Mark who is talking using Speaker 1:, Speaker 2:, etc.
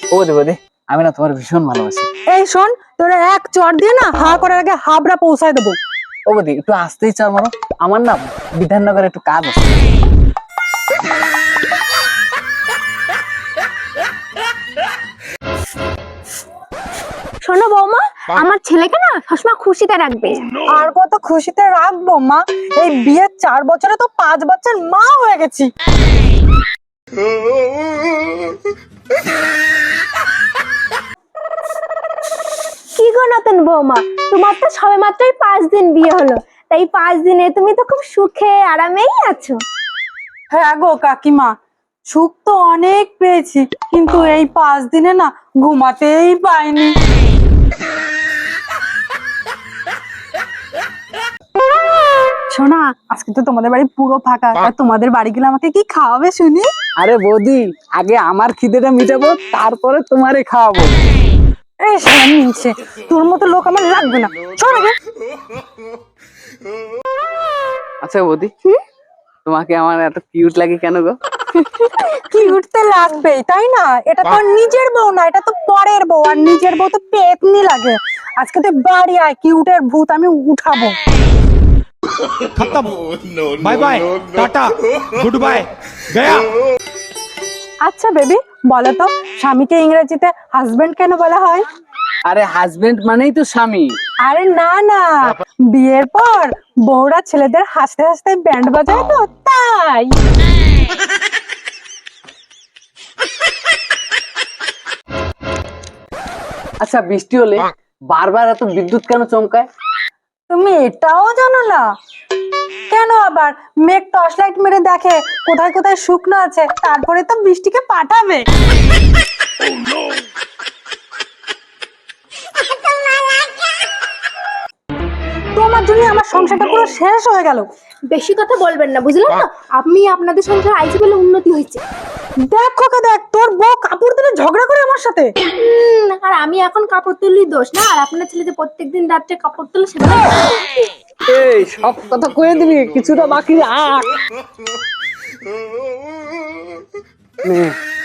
Speaker 1: ও বৌদি, আমি না তোমার ভীষণ ভালোবাসি।
Speaker 2: এই শোন, তোরা এক চড় দিয়ে না হা করার আগে হাবড়া পৌঁছায় দেবো।
Speaker 1: ও বৌদি, একটু আসতেই চাও মারো, আমার না বিধাননগরে একটু কাজ আছে।
Speaker 3: শোনো বৌমা, আমার ছেলেকে না সবসময় খুশিতে রাখবে।
Speaker 2: আর কত খুশিতে রাখবো মা, এই বিয়ের 4 বছরে তো 5 বাচ্চার মা হয়ে গেছি।
Speaker 3: কি গো নতুন বৌমা, তোমার তো সবে মাত্রই 5 দিন বিয়ে হলো, তাই 5 দিনে তুমি তো খুব সুখে আরামেই আছো।
Speaker 2: হ্যাঁ গো কাকিমা, সুখ তো অনেক পেয়েছি, কিন্তু এই 5 দিনে না ঘুমাতেই পাইনি। শোনা, আজকে তো তোমাদের বাড়ি পুরো ফাঁকা, তা তোমাদের বাড়ি গেলে আমাকে কি খাওয়াবে শুনি?
Speaker 1: আরে বৌদি, আগে আমার খিদেটা মিটাবো, তারপরে তোমারে খাওয়াবো।
Speaker 2: এই শালা মিনছে, তোর মতো লোক আমার লাগবে না, শোন আগে।
Speaker 1: আচ্ছা বৌদি, তোমাকে আমার এত কিউট লাগে কেন গো?
Speaker 2: কি উঠতে লাগবেই তাই না? এটা তো নিজের বউ না, এটা তো পরের বউ, আর নিজের বউ তো পেতনি লাগে। আজকে তুই বাড়ি আয়, কিউটের ভূত আমি উঠাবো।
Speaker 4: खत्म बाय बाय टाटा गुड बाय गया।
Speaker 2: আচ্ছা বেবি, বলো তো স্বামীকে ইংরেজিতে হাজবেন্ড কেন বলা হয়?
Speaker 1: আরে হাজবেন্ড মানেই তো স্বামী।
Speaker 2: আরে না না, বিয়ের পর বউরা ছেলেদের হাসতে হাসতে ব্যান্ড বাজায় তো তাই।
Speaker 1: আচ্ছা, বৃষ্টি হলে বারবার এত বিদ্যুৎ কেন চমকায়?
Speaker 2: তুমি এটাও জানো না? কেন আবার মেঘ টর্চ লাইট মেরে দেখে কোথায় কোথায় শুকনো আছে, তারপরে তো বৃষ্টিকে পাঠাবে। তোমার জন্য আমার সংসারটা পুরো শেষ হয়ে গেল।
Speaker 3: বেশি কথা বলবেন না, বুঝলেন তো? আমি আপনাদের সংসার আইছি বলে উন্নতি হয়েছে।
Speaker 2: দেখ খোকা দেখ, তোর বউ কাপড় তুলে ঝগড়া করে আমার সাথে।
Speaker 3: আর আমি এখন কাপড় তুলি দোষ না, আর আপনার ছেলে যে প্রত্যেকদিন রাত্রে কাপড় তুলে সেটা
Speaker 1: এই সব কথা কয়ে দিবি, কিছুটা বাকি রাখ।